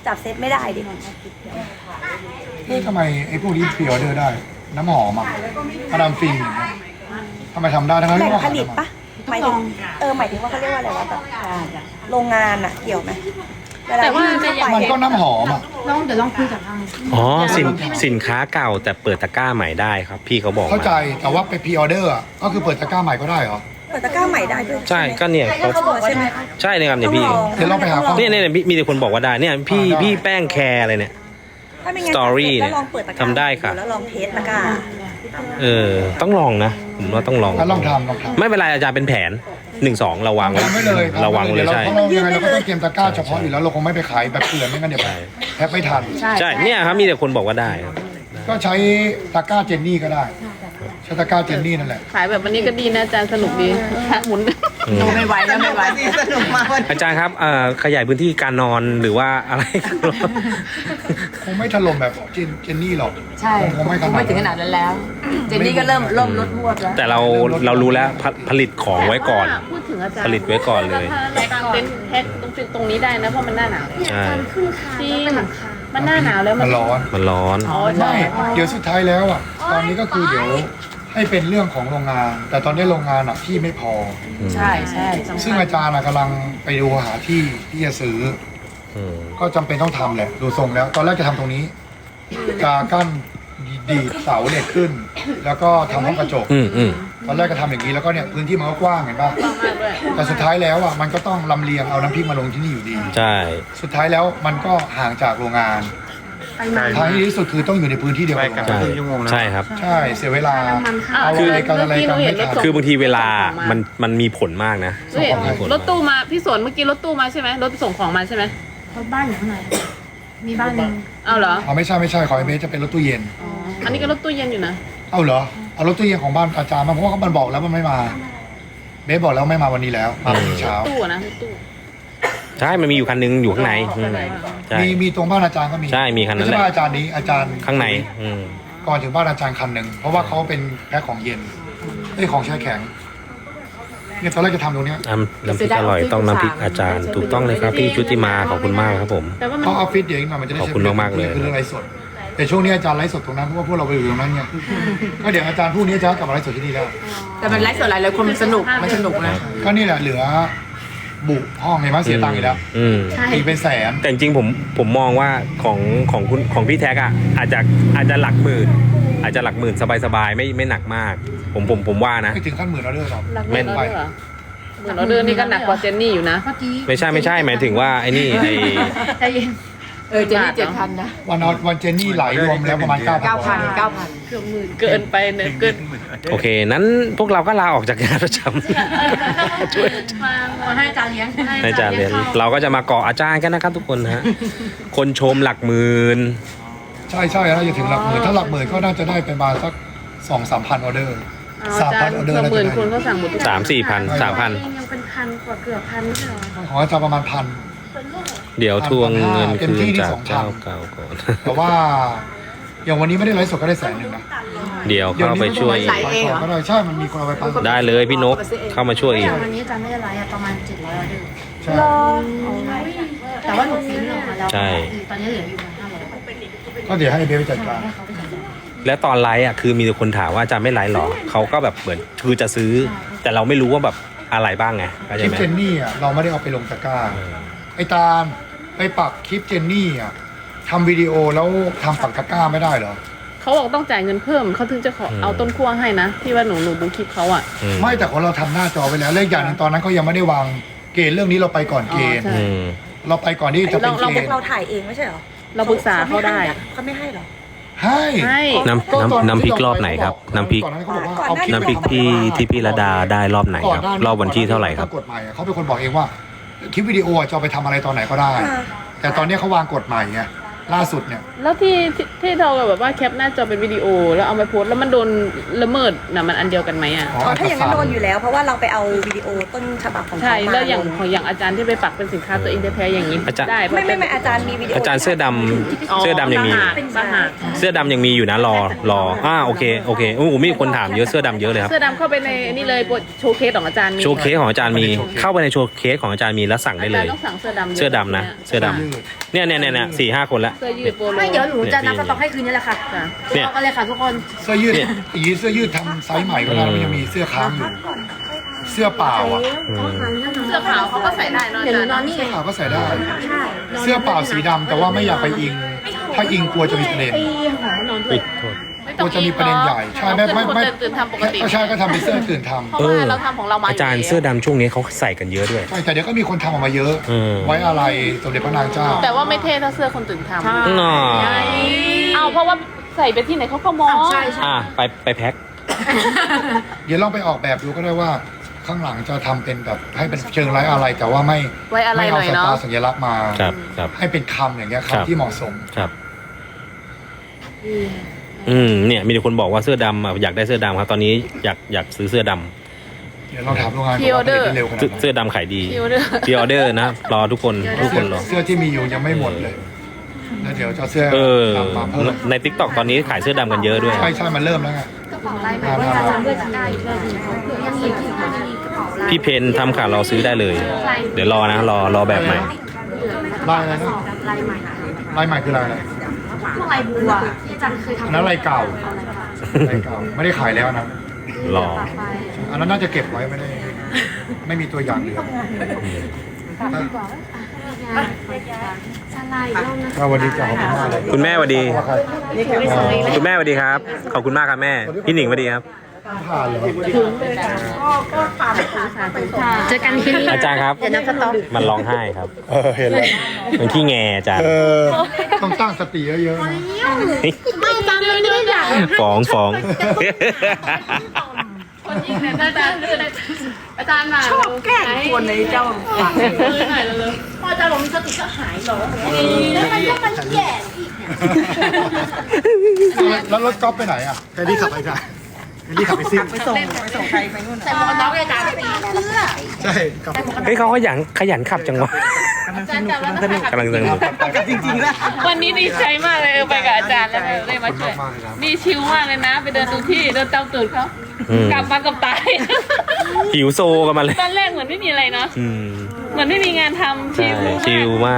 จับเซตไม่ได้ดิทำไมไอ้พวกนี้พรีออเดอร์ได้ น้ำหอมอ่ะมาดามฟินอย่างเงี้ยทำไมทำได้ทั้งนั้นแหล่งที่ว่าผลิตปะหมายถึงหมายถึงว่าเขาเรียกว่าอะไรวะแบบโรงงานอะเกี่ยวไหมแต่ว่ามันก็น้ำหอมอ่ะเดี๋ยวลองคุยกับทางอ๋อสินค้าเก่าแต่เปิดตะกร้าใหม่ได้ครับ พี่เขาบอกเข้าใจมาแต่ว่าไปพรีออเดอร์อะก็คือเปิดตะกร้าใหม่ก็ได้เหรอเปิดตะกร้าใหม่ได้ด้วยใช่ก็เนี่ยเขาบอกใช่ไหมใช่เลยครับเนี่ยพี่เดี๋ยวเราไปหาข้อมูลเนี่ยมีแต่คนบอกว่าได้เนี่ยพี่แป้งแคร์อะไรเนี่ยถ้าไม่งั้น Story แล้วลองเปิดตะกร้าทำได้ค่ะแล้วลองเทสตะกร้าต้องลองนะผมว่าต้องลองแล้วลองทำไม่เป็นไรอาจารย์เป็นแผน1-2เราวางไว้ทำไม่เลยเราวางเลยใช่เรายังไงเราก็ต้องเตรียมตะกร้าเฉพาะอยู่แล้วเราคงไม่ไปขายแบบเกลื่อนไม่งั้นเดี๋ยวแทบไม่ทันใช่เนี่ยครับมีแต่คนบอกว่าได้ครับก็ใช้ตะกร้าเจนนี่ก็ได้ใช้ตะกร้าเจนนี่นั่นแหละขายแบบวันนี้ก็ดีนะอาจารย์สนุกดีหมุนไม่ไหวแล้วไม่ไหวสนุกมากวันอาจารย์ครับขยายพื้นที่การนอนหรือว่าอะไรคงไม่ถล่มแบบเจนนี่หรอกใช่คงไม่ขนาดไม่ถึงขนาดนั้นแล้ว เจนนี่ก็เริ่มลดพวดแล้วแต่เรารู้แล้วผลิตของไว้ก่อนพูดถึงอาจารย์ผลิตไว้ก่อนเลยถ้าเรากางเต็นท์แพ็คตรงนี้ได้นะเพราะมันหน้าหนาวใช่จริงมันหน้าหนาวแล้วมันร้อนมันร้อนอ๋อใช่ไม่เดี๋ยวสุดท้ายแล้วอ่ะตอนนี้ก็คือเดี๋ยวให้เป็นเรื่องของโรงงาน แต่ตอนนี้โรงงานอ่ะที่ไม่พอใช่ใช่ซึ่งอาจารย์อะกำลังไปดูหาที่จะซื้อ ก็จำเป็นต้องทำแหละดูทรงแล้ว ตอนแรกจะทำตรงนี้กากั้นดีดเสาเหล็กขึ้น แล้วก็ทำห้องกระจก ตอนแรกก็ทำอย่างนี้แล้วก็เนี่ยพื้นที่มันก็กว้างเห็นป่ะมากด้วยแต่สุดท้ายแล้วอ่ะมันก็ต้องลำเลียงเอาน้ำพริกมาลงที่นี่อยู่ดีใช่สุดท้ายแล้วมันก็ห่างจากโรงงานทางที่ดีที่สุดคือต้องอยู่ในพื้นที่เดียวกันใช่ใช่ครับใช่เสียเวลา เอาคืออะไรกันอะไรกันไม่ทันคือบางทีเวลามันมีผลมากนะเฮ้ยรถตู้มาพี่สวนเมื่อกี้รถตู้มาใช่ไหมรถส่งของมาใช่ไหมรถบ้านอยู่ข้างในมีบ้านหนึ่งเอาเหรออ๋อไม่ใช่ขอไอเบสจะเป็นรถตู้เย็นอ๋ออันนี้ก็รถตู้เย็นอยู่นะเอาเหรอเอารถตู้เย็นของบ้านอาจารย์มาเพราะว่ามันบอกแล้วมันไม่มาเบสบอกแล้วไม่มาวันนี้แล้วมาพรุ่งนี้เช้าตู้อะนะตู้ใช่มันมีอยู่คันนึงอยู่ข้างในใช่มีตรงบ้านอาจารย์ก็มีใช่มีคันนั้นไม่แหละใช่บ้านอาจารย์นี้อาจารย์ข้างในก่อนถึงบ้านอาจารย์คันหนึ่งเพราะว่าเขาเป็นแพ็คของเย็นไอ้ของแช่แข็งเนี่ยตอนแรกจะทำตรงเนี้ยน้ำพริกอร่อยต้องน้ำพริกอาจารย์ ถูกต้องเลยครับพี่ชุติมาขอบคุณมากครับผมแต่ว่ามันเพราะออฟฟิศเดี๋ยวอีกหน่อยมันจะได้ขอบคุณมากๆเลยคือเรื่องไลฟ์สดแต่ช่วงนี้อาจารย์ไลฟ์สดตรงนั้นเพราะว่าพวกเราไปอยู่ตรงนั้นไงก็เดี๋ยวอาจารย์พรุ่งนี้อาจารย์กลับมาไลฟ์สดที่นี่แล้วแต่มันไลฟ์สดหลายคนมันสนุกนะก็นี่แหละเหลือบุกห้องไงมั้งเสียตังค์อีกแล้วตีเป็นแสนแต่จริงๆผมมองว่าของพี่แท็กอ่ะอาจจะหลักหมื่นอาจจะหลักหมื่นสบายๆไม่หนักมาก ผมว่านะไม่ถึงขั้นหมื่นออเดอร์หรอกหลักหมื่นออเดอร์เหรอหมื่นออเดอร์นี่ก็หนักกว่าเจนนี่อยู่นะเมื่อกี้ไม่ใช่หมายถึงว่าไอ้นี่ไอ้ใจเย็นเจนนี่7,000นะวันเจนนี่ไหลรวมแล้วประมาณ 9,000 9,000 เกินไปเนี่ยเกินโอเคนั้นพวกเราก็ลาออกจากงานประจำช่วยมาให้อาจารย์เลี้ยงให้อาจารย์เรียนเราก็จะมาเกาะอาจารย์กันนะครับทุกคนฮะคนชมหลักหมื่นใช่น่าจะถึงหลักหมื่นถ้าหลักหมื่นก็น่าจะได้ประมาณสัก 2-3 พันออเดอร์อาจารย์ออเดอร์เกือบน่าหมื่นจะคนได้ก็สั่งหมดทุก 3-4 พัน 3,000 ยังเป็นพันกว่าเกือบพันไม่ใช่เหรอของอาจารย์ประมาณพันเดี๋ยวทวงเงินเต็มคืที่นที่จาก 2,000 เจ้าเก่าก่อนแต่ว่าอย่างวันนี้ไม่ได้ไลฟ์สดก็ได้100,000นะเดี๋ยวเข้าไปช่วยไหลเองเหรอก็ได้ใช่มันมีคนเอาไปปั้นได้เลยพี่นกเข้ามาช่วยอีกวันนี้อาจารย์ไม่ได้ไลฟ์ประมาณ700ออเดอร์ใช่แต่ว่าหนูฟินออกมาแล้วใช่ตอนนี้เหลืออยู่500 ก็เดี๋ยวให้เบสไปจัดการและตอนไลฟ์อ่ะคือมีแต่คนถามว่าอาจารย์ไม่ไลฟ์หรอเขาก็แบบเหมือนคือจะซื้อ แต่เราไม่รู้ว่าแบบอะไรบ้างไงเข้าคใจลิปไหมเจนนี่อ่ะเราไม่ได้เอาไปลงตะกร้าไอ้ตาลไปปักคลิปเจนนี่อ่ะทำวิดีโอแล้วทำปักตะกร้าไม่ได้เหรอเขาบอกต้องจ่ายเงินเพิ่มเขาถึงจะขอเอาต้นขั้วให้นะที่ว่าหนูดูคลิปเขาอ่ะไม่แต่ของเราทำหน้าจอไว้แล้วเลขอย่างหนึงตอนนั้นเขายังไม่ได้วางเกณฑ์เรื่องนี้เราไปก่อนเกณฑ์อ๋อใช่เราไปก่อนที่จะเป็นเกณฑ์เราถ่ายเองไม่ใช่เหรอเราปรึกษาเขาได้เขาไม่ให้เหรอให้ให้น้ำพริกรอบไหนครับน้ำพริกก่อนหน้าเขาบอกว่าเอาคลิปน้ำพริกที่พี่ระดาได้รอบไหนครับรอบวันที่เท่าไหร่ครับกฎหมายเขาเป็นคนบอกเองว่าคลิปวิดีโอจะเอาไปทำอะไรตอนไหนก็ได้ แต่ตอนนี้เขาวางกฎใหม่ไงล่าสุดเนี่ยแล้วที่เราแบบว่าแคปหน้าจอเป็นวิดีโอแล้วเอาไปโพสต์แล้วมันโดนละเมิดนะมันอันเดียวกันไหมอ่ะอ๋อถ้าอย่างนั้นโดนอยู่แล้ว เพราะว่าเราไปเอาวิดีโอต้นฉบับของเขาใช่มาแล้วอย่างอาจารย์ที่ไปปักเป็นสินค้าตัวเองแท้ๆอย่างนี้อาจารย์ได้ไม่อาจารย์มีวิดีโออาจารย์เสื้อดำเสื้อดำยังมีบาหาเสื้อดำยังมีอยู่นะรอโอเคโอเคโอ้โหมีคนถามเยอะเสื้อดำเยอะเลยครับเสื้อดำเข้าไปในนี่เลยโชว์เคสของอาจารย์มีโชว์เคสของอาจารย์มีเข้าไปในโชว์เคสของอาจารย์มีแล้วสั่งได้เลยอาจารย์ต้องสั่งเสื้อดำเสื้อดำนะเสื้อดำเนี่ย4-5 คนละเสื้อยืดโปโลไม่เดี๋ยวหนูจะนับสต็อกให้คืนนี้แหละค่ะเนี่ยรอกันเลยค่ะทุกคนเสื้อยืดอีเสื้อยืดทำไซส์ใหม่ก็ได้มันยังมีเสื้อค้างอยู่เสื้อเปล่าอ่ะเสื้อขาวเขาก็ใส่ได้เนอะเดี๋ยวหนูนอนนี่เสื้อขาวก็ใส่ได้ใช่เสื้อเปล่าสีดำแต่ว่าไม่อยากไปอิง ถ้าอิงกลัวจะมีประเด็นอุ๊ยโทษไม่กต้ลัอวงจะมีประเด็นใหญ่ใช่ไม่ตื่นทำปกติใช่ก็ทำเป็นเสื้อตื่นทเพราะว่าเราทำของเรามาอาจารย์เสื้อดำช่วงนี้เขาใส่กันเยอะด้วยำใช่แต่เดี๋ยวก็มีคนทำออกมาเยอะมไว้อะไรสมเด็จพระนางเจ้าแต่ว่าไม่เท่เท่าเสื้อคนตื่นทำน่าเอาเพราะว่าใส่ไปที่ไหนเขาก็มองใช่ใช่ไปแพ็คเดี๋ยวลองไปออกแบบดูก็ได้ว่าข้างหลังจะทำเป็นแบบให้เป็นเชิงไร้อะไร แต่ว่าไม่ไว้อะไรไม่หเอาน่อยสเนาะตาร์สัญลักษณ์มาครับให้เป็นคำอย่างเงี้ยครับคำที่เหมาะสมครับเนี่ยมีแต่คนบอกว่าเสื้อดำอยากได้เสื้อดำครับตอนนี้อยากซื้อเสื้อดำเดี๋ยวลองถามโรงงานก่อนว่าผลิตได้เร็วขนาดไหนเสื้อดำขายดีคิวเดอร์พีออเดอร์นะรอทุกคนรอเสื้อที่มีอยู่ยังไม่หมดเลยแล้วเดี๋ยวจะเอาเสื้อดำมาเพิ่มใน TikTok ตอนนี้ขายเสื้อดำกันเยอะด้วยใช่มันเริ่มแล้วไงกระเป๋าลายใหม่ว่าอาจารย์ด้วยจะได้เลยยังมีที่กระเป๋าลายพี่เพนทำขาเราซื้อได้เลย เดี๋ยวรอนะรอแบบใหม่ลายอะไรนะลายใหม่ลายใหม่คือลายอะไรพวกลายบัวที่อาจารย์เคยอันทำนั้นลายเก่าลายเก่าไม่ได้ขายแล้วนะรออันนั้นน่าจะเก็บไว้ไม่มีตัวอย่างเหลือสไลด์รอบนะก็วันนี้จะขอบคุณมากเลยคุณแม่สวัสดีว่าใครคุณแม่สวัสดีครับ ขอบคุณมากครับแม่ พี่หนิงสวัสดีครับผ่านเหรอเจอกันที่นี่อาจารย์ครับเดี๋ยวนับสต็อกมันร้องไห้ครับเห็นแล้วมันขี้แงอาจารย์ต้องตั้งสติเยอะๆนะไม่อาจารย์ไม่ได้อยากฟ้องคนยิงเนี่ยอาจารย์อาจารย์มาชอบแกล้งคนในเจ้าหน่อยเลยพออาจารย์บอกมีสติก็หายเหรอแล้วมันแย่อีกแล้วรถก๊อฟไปไหนอ่ะแคดดี้ขับไปจ้ะแคดดี้ขับไปซิ่งไปส่งใครไปนู่นใส่หมวกกันน็อกเลยอาจารย์เสื้อใช่กลับเฮ้ยเขาขยันขับจังวะอาจารย์จำแล้วนะคะกำลังสนุกจริงๆแล้ววันนี้ดีใจมากเลยไปกับอาจารย์แล้วได้มาช่วยนี่ชิลมากเลยนะ ไปเดินดูที่เดินตามตูดเขากลับมากับตายหิวโซกันมาเลยตอนแรกเหมือนไม่มีอะไรเนาะอืมเหมือนไม่มีงานทำชิใช่ลชิลมาก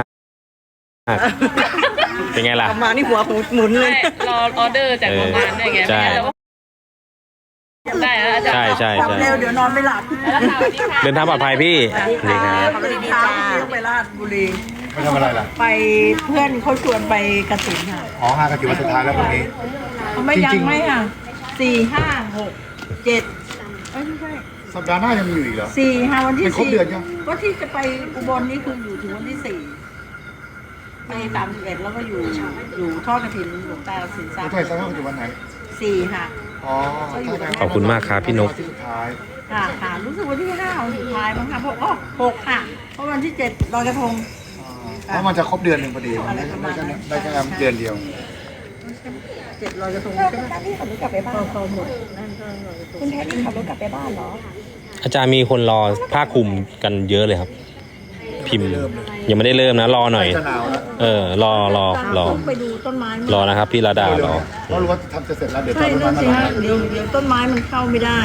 เป็นไงล่ะมานี่หัวหมุนเลยไม่รอออเดอร์จากโรงงานด้วยไงใช่ไม่งั้นเราก็ได้แล้วอาจารย์ใช่เร็วเดี๋ยวนอนไม่หลับแล้วค่ะสวัสดีค่ะเดินทางปลอดภัยพี่ดีครับสวัสดีจ้าต้องไปราชบุรีไม่ทำอะไรล่ะไปเพื่อนเขาชวนไปกระถิ่นค่ะอ๋อ5กันถือว่าสุดท้ายแล้วพรุ่งนี้ไม่จยังริงๆไม่ค่ะ4 5 6 7ไม่ใช่สัปดาห์หน้ายังมีอยู่อีกเหรอ 4 5วันที่เป็นครบเดือนยังว่าที่จะไปอุบลนี่คืออยู่ถึงวันที่4ไป31แล้วก็อยู่ทอดกระถิ่นหลวงตาสินทรัพไม่ย์ใช่สัปดาห์อยู่วันไหน 4ค่ะอ๋อถ้าขอบคุณมากครับพี่นกที่สุดท้ายค่ะรู้สึกวันที่5วันสุดท้ายมั้งค่ะเพราะ6ค่ะ เพราะวันที่7ลอยกระทงเพราะมันจะครบเดือนหนึ่งพอดีมันได้แค่เดือนเดียว 7ลอยกระทงใช่ไหมนี่ขับรถกลับไปบ้านพอหมดนั่นก็ลอยกระทงคุณแพทย์นี่ขับรถกลับไปบ้านเหรออาจารย์มีคนรอผ้าคลุมกันเยอะเลยครับ พิมพ์ยังไม่ได้เริ่มนะรอหน่อยจะหนาวแล้วรอไปดูต้นไม้รอนะครับพี่ระดารอเพราะรู้ว่าทำจะเสร็จแล้วเดี๋ยวใช่ต้นนั่ไม้นมาสิฮะเดี๋ยวต้นไม้มันเข้าไม่ได้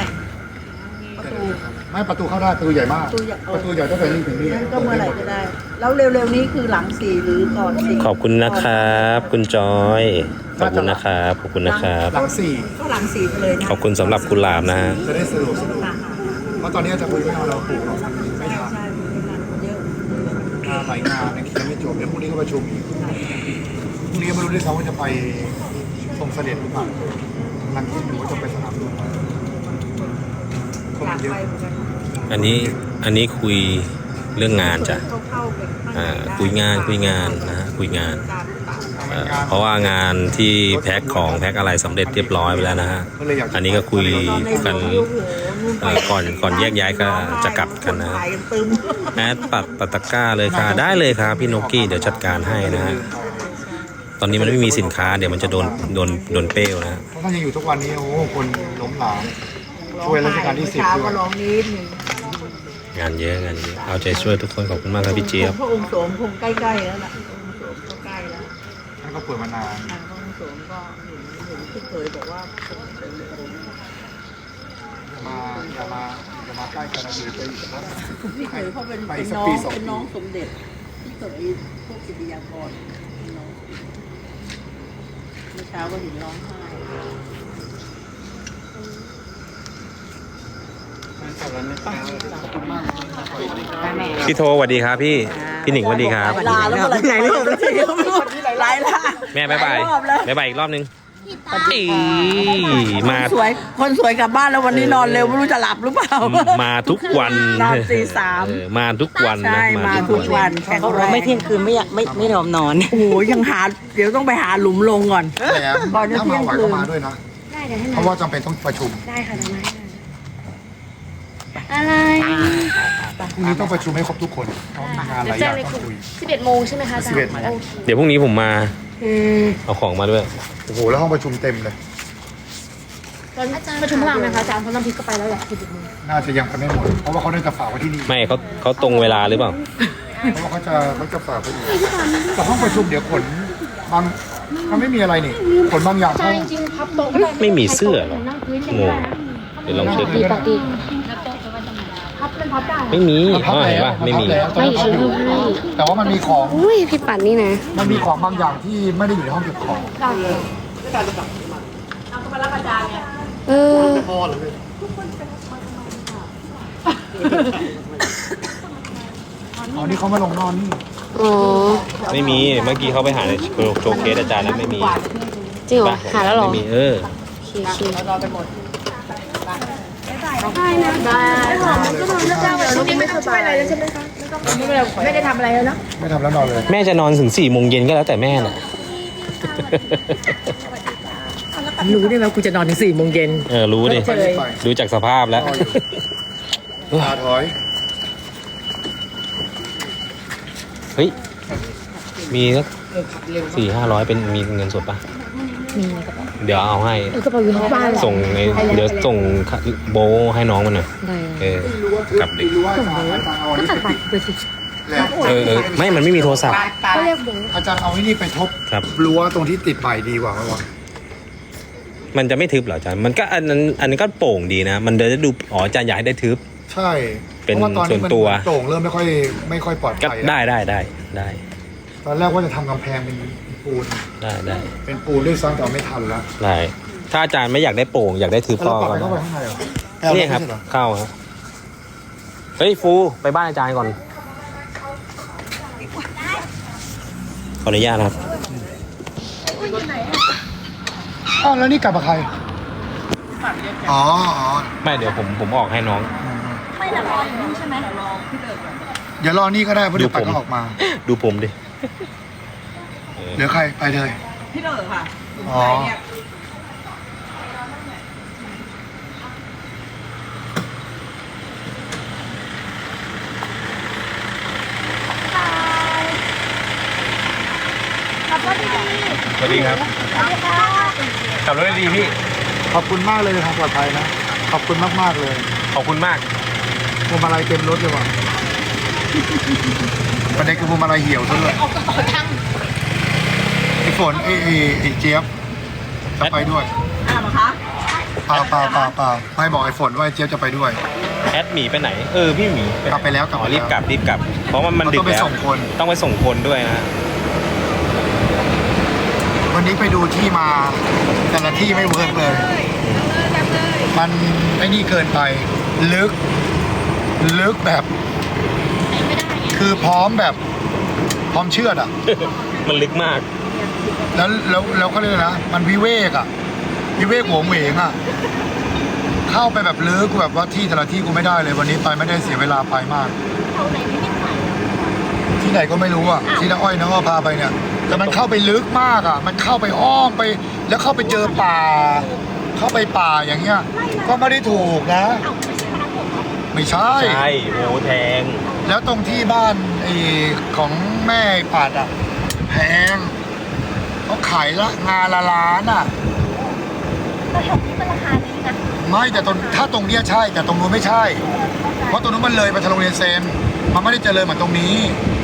ไม่ประตูเข้าได้ประตูใหญ่มาก ประตูใหญ่ตั้งแต่นี่ถึงนี่งั้นก็เมื่อไหร่ก็ได้ แล้วเร็วๆนี้คือหลัง4หรือก่อน4 ขอบคุณนะครับ คุณจอย ขอบคุณนะครับขอบคุณนะครับหลังสี่ก็หลัง4ไปเลยนะขอบคุณสำหรับกุหลาบนะฮะจะได้สะดวกค่ะเพราะตอนนี้อาจารย์คุยไม่เอาเราปลูกเราไม่ทันใช่มีงานเยอะงานหลายงานเนี่ยยังไม่จบเดี๋ยวพรุ่งนี้ก็ประชุมอีกพรุ่งนี้ไม่รู้ด้วยซ้ำว่าจะไปทรงเสด็จหรือเปล่ากำลังคิดอยู่ว่าจะไปสนามหลวงคนอยากเยอะไปเหมือนกันอันนี้คุยเรื่องงานจ้ะเข้าไปข้างในได้คุยงานนะฮะคุยงานการเปล่าเพราะว่างานที่แพ็คของแพ็คอะไรสำเร็จเรียบร้อยไปแล้วนะฮะก็เลยอยากจะอันนี้ก็คุยกันโอ้โหนู่นไปก่อนแยกย้ายก็จะกลับกันนะถ่ายกันตึมแอดปัดตะกร้าเลยค่ะ ได้เลยครับพี่นกกี้เดี๋ยวจัดการให้นะฮะตอนนี้มันไม่มีสินค้าเดี๋ยวมันจะโดนเปรี้ยวนะเพราะถ้ายังอยู่ทุกวันนี้โอ้โหคนล้มหลามช่วยรัชกาลที่ 10 เช้าด้วก็ยร้องนิดหนึ่งงานเยอะเอาใจช่วยทุกคนขอบคุณมากครับพี่เจี๊ยบพระองค์โสมคงใกล้ๆแล้วล่ะพระองค์โสมก็ใกล้แล้วท่านก็ป่วยมานานทางพระองค์โสมก็เห็นที่เคยบอกว่าเป็นอย่ามาใกล้กันนะหรือไปอีกนะพี่เคยเขาเป็นไปเป็นสักน้อปีงสองปีเป็นน้องสมเด็จที่เคยพวกกิติยากรเป็นน้องเมื่อเช้าก็เห็นร้องไห้พี่โทสวัสดีครับพี่หนิงสวัสดีครับลาแล้วเมื่อไหร่ไหนรอบแล้วทีหลายละแม่บ๊ายบายหลรอบแล้วบ๊ายบายอีกรอบนึงอีมาคนสวยกลับบ้านแล้ววันนี้นอนเร็วไม่รู้จะหลับหรือเปล่ามาทุกวันนอนตีสามมาทุกวันนะใช่มาทุกวันแข็งแรงไม่เที่ยงคืนไม่ยอมนอนโอ้โหยังหาเดี๋ยวต้องไปหาหลุมลงก่อนแต่ก่อนจะถ้าเที่มายงไหวคืก็นมาด้วยนะได้เดี๋ยวให้เพมาราะว่าจำเป็นต้องประชุมได้ค่ะเดี๋ยวมาอะไรพรุ่งนี้ต้องประชุมให้ครบทุกคนเพราะมีงานหลายอย่างต้องคุย 11 โมงใช่ไหมคะอาจารย์ 11 โมงโอเดี๋ยวพรุ่งนี้ผมมาเคเอาของมาด้วยโอ้โหแล้วห้องประชุมเต็มเลยตอนประชุมพลังไหมคะอาจารย์เพราะน้ำพริกก็ไปแล้วแหละ11 โมงน่าจะยังไปไม่หมด เพราะว่าเขาได้จะฝากไว้ที่นี่ไม่เขาตรงเวลาหรือเปล่าเพราะว่าเขาจะฝากไว้อีกแต่ห้องประชุมเดี๋ยวขนบางมันไม่มีอะไรนี่ขนบางอย่างเข้าจริงๆพับโต๊ะก็ได้ไม่มีเสื้อเหรอนั่งพื้นกันงก็งได้นะเดี๋ยวลองเช็คดีปกติพับเป็นพับได้ไม่มีพับเห็นแล้วปะไม่มีพับแล้วไม่ฉันรู้ให้แต่ว่ามันมีของอุ้ยพี่ปั่นนี่นะมันมีของบางอย่างที่ไม่ได้อยู่ในห้องเก็บของเออพ่อเลย อ๋อนี่เขามาลงนอนนี่อ๋อไม่มีเมื่อกี้เขาไปหาในโชว์เคสอาจารย์แล้วไม่มีจริงเหรอปะหาแล้วเหรอไม่มีโอเคโอเครอไปหมดได้นะได้ค่ะก็นอนแล้วจ้าวันนี้ไม่สบายอะไรแล้วใช่ไหมคะไม่ได้ทำอะไรแล้วเนาะไม่ทำแล้วนอนเลยแม่จะนอนถึง4 โมงเย็นก็แล้วแต่แม่น่ะรู้ได้ไหมกูจะนอนถึง4 โมงเย็นรู้ดิไปรีบไปดูจากสภาพแล้วตาถอยเฮ้ย มีสัก400-500เป็นมีเงินสดปะมีในกระเป๋าเดี๋ยวเอาให้กระเป๋าอยู่ในบ้านเหรอส่งเดี๋ยวส่งโบให้น้องมันหน่อยได้กลับเด็กรู้ว่าอาจารย์เอาอันก็นี้ตัดไปสิแล้วไม่มันไม่มีโทรศัพท์ก็เรียกโบอาจารย์เอาไอ้นี่ไปทบครับรั้วตรงที่ติดใหม่ดีกว่าไหมวะมันจะไม่ทึบเหรออาจารย์มันก็อันนั้นก็โป่งดีนะ มันจะได้ดูอาจารย์อยากให้ได้ทึบใช่เป็นพราะว่าตอนนี้ส่วนตัวโต่งเริ่มไม่ค่อยปลอดก็ภัยได้แล้วได้ตอนแรกว่าจะทำกำแพงเป็นปูนได้เป็นปูนด้วยซ้ำแต่ไม่ทันแล้วได้ถ้าอาจารย์ไม่อยากได้โป่งอยากได้ทึบแล้วก็เราปรับไปก็เข้าไปข้างในเหรอนี่ครับไม่ใช่เหอเข้าครับเฮ้ยฟูไปบ้านอาจารย์ก่อนขออนุญาตนะครับอ้าวแล้วนี่กลับมาใครอ๋อไม่เดี๋ยวผมออกให้น้องเดี๋ยวรอนี่ก็ได้เพราะเดี๋ยวไปก็ออกมาดูผมดิเดี๋ยวใครไปเลยพี่เด๋อค่ะอ๋อสวัสดีครับขับรถดีพี่ขอบคุณมากเลยทางปลอดภัยนะ ขอบคุณมากๆเลยขอบคุณมากพวงมาลัยเต็มรถเลยว่ะประเด็นคือพวงมาลัยเหี่ยวซะด้วยไอ้ฝนไอ้เจี๊ยบจะไปด้วยอ้าวเหรอคะเปล่าไม่บอกไอ้ฝนว่าไอ้เจี๊ยบจะไปด้วยแอดหมีไปไหนพี่หมีกลับไปแล้วอ๋อรีบกลับ เพราะว่ามันดึกต้องไปแล้วส่งคนต้องไปส่งคนด้วยนะวันนี้ไปดูที่มาแต่ละที่ไม่เวิร์กเลย มันไอ้นี่เกินไป ลึกแบบ คือพร้อมเชื่อดอ่ะมันลึกมากแล้วเขาเรียกอะไรนะ มันวิเวกโหวงเหวงอ่ะ เข้าไปแบบลึกแบบว่าที่แต่ละที่กูไม่ได้เลย วันนี้ไปไม่ได้เสียเวลาไปมาก ที่ไหนก็ไม่รู้อ่ะ ที่น้าอ้อยน้าอ้อพาไปเนี่ย แต่มันเข้าไปลึกมากอ่ะ มันเข้าไปอ้อมไป แล้วเข้าไปเจอป่า เข้าไปป่าอย่างเงี้ย ก็ไม่ได้ถูกนะ ไม่ใช่ใช่โอ้แทงแล้วตรงที่บ้านของแม่ปัดอ่ะแพงเขาขายละงานละล้านอ่ะแต่แถวนี้มันราคานี้นะไม่แต่ถ้าตรงเนี้ยใช่แต่ตรงนู้นไม่ใช่ เพราะตรงนู้นมันเลยไปทางโรงเรียนเซนมันไม่ได้เจริญเหมือนตรงนี้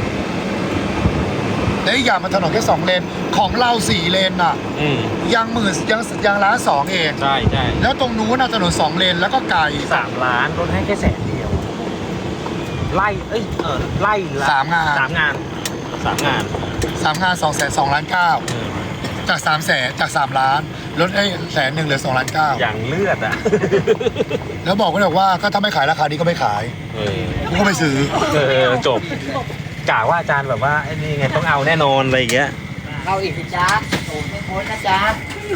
และอีกอย่างมันถนนแค่2 เลนของเรา4 เลนน่ะ ยังล้าน2เองใช่ใช่แล้วตรงนู้นน่ะถนน2 เลนแล้วก็ไกล 3 ล้านลดให้แค่100,000ไล่ไล่ละ 3 งาน 3 งาน 3 งาน202,900,000จาก300,000จาก3 ล้านลดให้100,000เหลือ2,900,000 อย่างเลือดอ่ะแล้วบอกไว้เลยว่าก็ถ้าไม่ขายราคานี้ก็ไม่ขายกูก็ไม่ซื้อจบกะว่าอาจารย์แบบว่าไอ้นี่ไงต้องเอาแน่นอนอะไรอย่างเงี้ยเราอีกสิจ้าโอ้ไม่พ้นนะจ๊ะ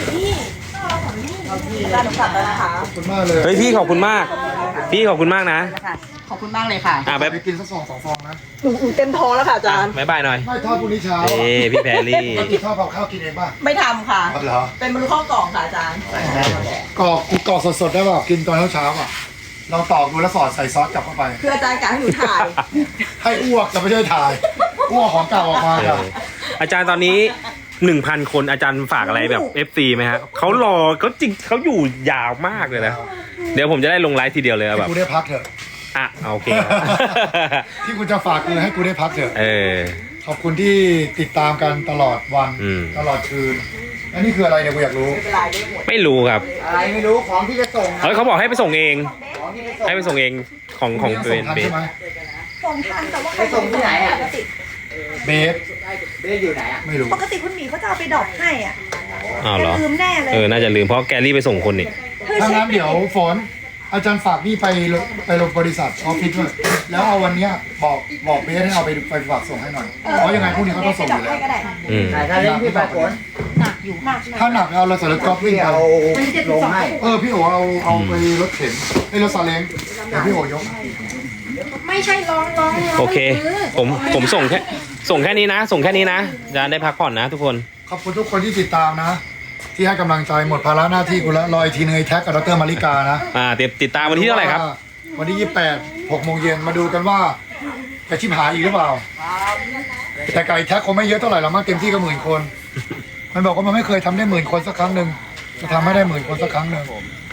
อาจารย์กลับแล้วนะคะขอบคุณมากเลยเฮ้ยพี่ขอบคุณมาก พี่ขอบคุณมากนะขอบคุณมากเลยค่ะไปกินสัก2 ฟองนะหนูเต็มท้องแล้วค่ะอาจารย์บ๊ายบายหน่อยไม่ทอดพรุ่งนี้เช้าพี่แพรรี่ปกติทอดกับข้าวกินเองป่ะไม่ทำค่ะเหรอเป็นมนุษย์ข้อกล่องค่ะอาจารย์กรอกสดๆได้ป่ะกินตอนเช้าๆอ่ะเราตอกดูแล้วสอดใส่ซอสกลับเข้าไปคืออาจารย์กะให้หนูถ่ายให้อ้วกจะไม่ใช่ถ่ายอ้วกของเก่าออกมาค่ะอาจารย์ตอนนี้ 1,000 คนอาจารย์ฝากอะไรแบบ FC ไหมฮะเขารอเขาจริงเขาอยู่ยาวมากเลยนะ เดี๋ยวผมจะได้ลงไลฟ์ทีเดียวเลยให้แบบกูได้พักเถอะอ่ะโอเคที่กูจะฝากคือให้กูได้พักเถอะเออขอบคุณที่ติดตามกันตลอดวันอืมตลอดคืนอันนี้คืออะไรเนี่ยกูอยากรู้ไม่รู้ครับอะไรไม่รู้ของที่จะส่งเฮ้ยเขาบอกให้ไปส่งเองของที่จะส่งให้ไปส่งเองของยังเบส่งนทันเบสใช่ไหมส่งทันแต่ว่าไปส่งที่ไหนอ่ะเบสเบสอยู่ไหนอ่ะไม่รู้ปกติคุณหมีเขาจะเอาไปดรอปให้อ่ะอ้าวเหรอลืมแน่เลยน่าจะลืมเพราะแกรี่ไปส่งคนนี่ถ้างั้นเดี๋ยวฝนอาจารย์ฝากนี่ไปลงบริษัทออฟฟิศด้วยแล้วเอาวันเนี้ยบอกเบสให้เอาไปฝากส่งให้หน่อยเพราะยังไงพรุ่งนี้เขาต้องส่งอยู่แล้วก็ได้อืมถ้าเล่นพี่ปลายฝนหนักอยู่หนักถ้าหนักเอาเราใส่รถกอล์ฟวิ่งพี่ไปเอาลงให้พี่โอเอาไปรถเข็นไอ้รถซาเล้งเดี๋ยวพี่โอยกไม่ใช่ร้องโอเค ผมส่งแค่นี้นะ ส่งแค่นี้นะอาจารย์ได้พักผ่อนนะทุกคนขอบคุณทุกคนที่ติดตามนะ ที่ให้กำลังใจหมดภาระหน้าที่กูแล้วรออีกทีนึงไอ้แท็กกับดรมาริกานะติดตามวันที่เท่าไหร่ครับวันที่28 6 โมงเย็นมาดูกันว่าจะชิบหายอีกหรือเปล่า แต่ไก่แท็กคงไม่เยอะเท่าไหร่หรอกมั้งเต็มที่ก็10,000 คน มันบอกว่ามันไม่เคยทำได้10,000 คนสักครั้งหนึ่งจะทำให้ได้10,000 คนสักครั้งหนึ่ง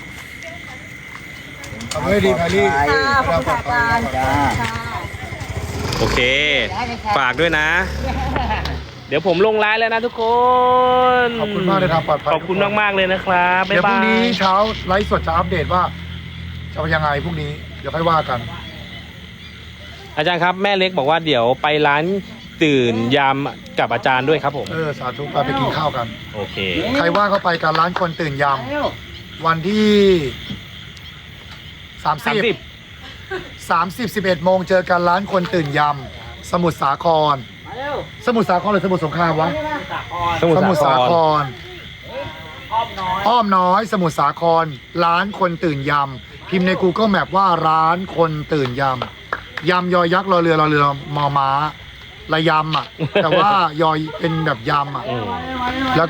ทำให้ดีแพรรี่ขอบคุณค่ะอาจารย์โอเค ฝากด้วยนะ เดี๋ยวผมลงไลน์แล้วนะทุกคนขอบคุณมากเลยครับปลอดภัยขอบคุณมากๆเลยนะครับบ๊าเดี๋ยยวพรุ่บางนี้ยเช้าไลฟ์สดจะอัปเดตว่าจะเป็นยังไงพรุ่งนี้เดี๋ยวค่อยว่ากันอาจารย์ครับแม่เล็กบอกว่าเดี๋ยวไปร้านตื่นยามกับอาจารย์ด้วยครับผมสาธุไปกินข้าวกันโอเคใครว่างก็ไปกันร้านคนตื่นยำวันที่30 11 โมงเจอกันร้านคนตื่นยำสมุทรสาครสมุทรสาครหรือสมุทรสงครามวะสมุทรสาครอ้อมน้อยสมุทรสาครร้านคนตื่นยำพิมพ์ใน Google Map ว่าร้านคนตื่นยำยำยอยักษ์รอเรือมอม้าระยำอ่ะ แต่ว่ายอยเป็นแบบยำอ่ะ แล้ว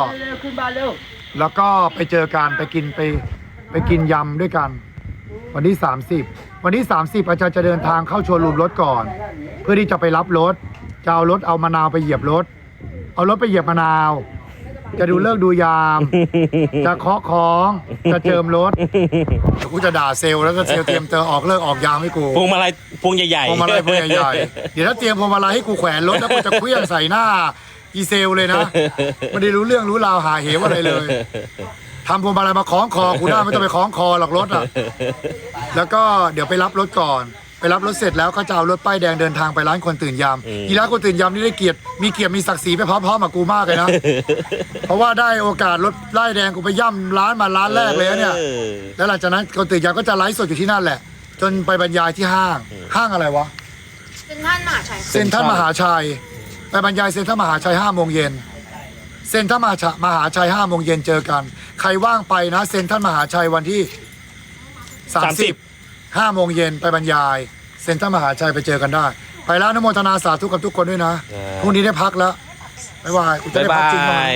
ก็ไปเจอกันไปกินยำด้วยกัน วันที่ 30 วันที่ 30 อาจารย์จะเดินทางเข้าโชว์รูมรถก่อน เพื่อที่จะไปรับรถจะเอารถเอามะนาวไปเหยียบรถ เอารถไปเหยียบมะนาว จะดูเลิกษ์ดูยาม จะเคาะของจะเจิมรถเดี๋ยวกูจะด่าเซลล์แล้วก็เซลล์เตรียมออกเลิกออกยามให้กูพวงมาลัยพวงใหญ่ๆพวงมาลัยพวงใหญ่ๆเดี๋ยวถ้าเตรียมพวงมาลัยให้กูแขวนรถแล้วกูจะเคลื่อนใส่หน้าอีเซลเลยนะไม่ได้รู้เรื่องรู้ราวหาเหวอะไรเลยทำพวงมาลัยมาคล้องคอกูได้ไม่ต้องไปคล้องคอหรอกรถอ่ะแล้วก็เดี๋ยวไปรับรถก่อนไปรับรถเสร็จแล้วก็จะเอารถป้ายแดงเดินทางไปร้านคนตื่นยามอีร้านคนตื่นยามนี่ได้เกียรติมีศักดิ์ศรีไปพร้อมๆกับกูมากเลยนะเพราะว่าได้โอกาสรถป้ายแดงกูไปย่ำร้านมาร้านแรกเลยเนี่ยแล้วหลังจากนั้นคนตื่นยามก็จะไลฟ์สดอยู่ที่นั่นแหละจนไปบรรยายที่ห้างอะไรวะเซ็นทรัลมหาชัยไปบรรยายเซ็นทรัลมหาชัย5 โมงเย็นเซ็นทรัลมหาชัย5 โมงเย็นเจอกันใครว่างไปนะเซ็นทรัลมหาชัยวันที่30 5 โมงเย็นไปบรรยายเซ็นทรัลมหาชัยไปเจอกันได้ไปแล้วอนุโมทนาสาธุกับทุกคนด้วยนะพรุ่งนี้ได้พักแล้วบ๊ายบายกูจะได้พักจริงไหม